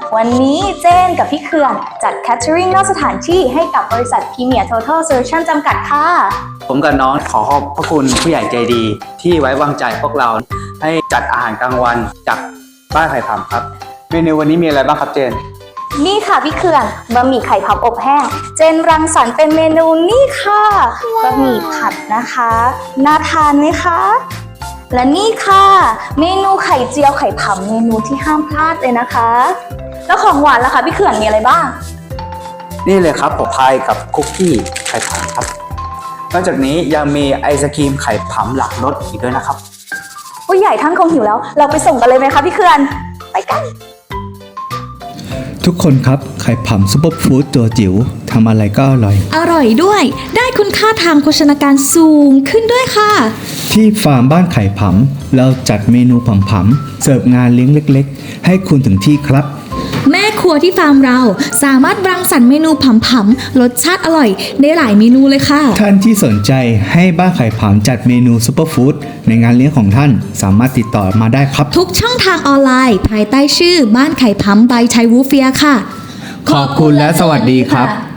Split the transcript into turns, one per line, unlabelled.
วันนี้เจนกับพี่เขื่อนจัดแคทเทอริงนอกสถานที่ให้กับบริษัทพรีเมียร์ Total Solution จำกัดค่ะ
ผมกับน้องขอขอบพระคุณผู้ใหญ่ใจดีที่ไว้วางใจพวกเราให้จัดอาหารกลางวันจากบ้านไข่ผำครับเมนูวันนี้มีอะไรบ้างครับเจน
นี่ค่ะพี่เขื่อนบะหมี่ไข่ผำอบแห้งเจนรังสรรค์เป็นเมนูนี่ค่ะบะหมี่ผัดนะคะน่าทานไหมคะและนี่ค่ะเมนูไข่เจียวไข่ผำเมนูที่ห้ามพลาดเลยนะคะแล้วของหวานล่ะคะพี่เขื่อนมีอะไรบ้าง
นี่เลยครับผมพายกับคุกกี้ไข่ผำครับนอกจากนี้ยังมีไอศกรีมไข่ผำหลักรสอีกด้วยนะครับ
ผู้ใหญ่ท่านคงหิวแล้วเราไปส่งกันเลยไหมคะพี่เขื่อนไปกัน
ทุกคนครับไข่ผำซุปเปอร์ฟู้ดตัวจิ๋วทำอะไรก็อร่อย
ด้วยได้คุณค่าทางโภชนาการสูงขึ้นด้วยค่ะ
ที่ฟาร์มบ้านไข่ผำเราจัดเมนูผำๆเสิร์ฟงานเลี้ยงเล็กๆให้คุณถึงที่ครับ
แม่ครัวที่ฟาร์มเราสามารถรังสรรค์เมนูผำๆรสชาติอร่อยได้หลายเมนูเลยค่ะ
ท่านที่สนใจให้บ้านไข่ผำจัดเมนูซุปเปอร์ฟู้ดในงานเลี้ยงของท่านสามารถติดต่อมาได้ครับ
ทุกช่องทางออนไลน์ภายใต้ชื่อบ้านไข่ผำ by ไทยวูเฟียค่ะ
ขอบคุณและสวัสดีครับ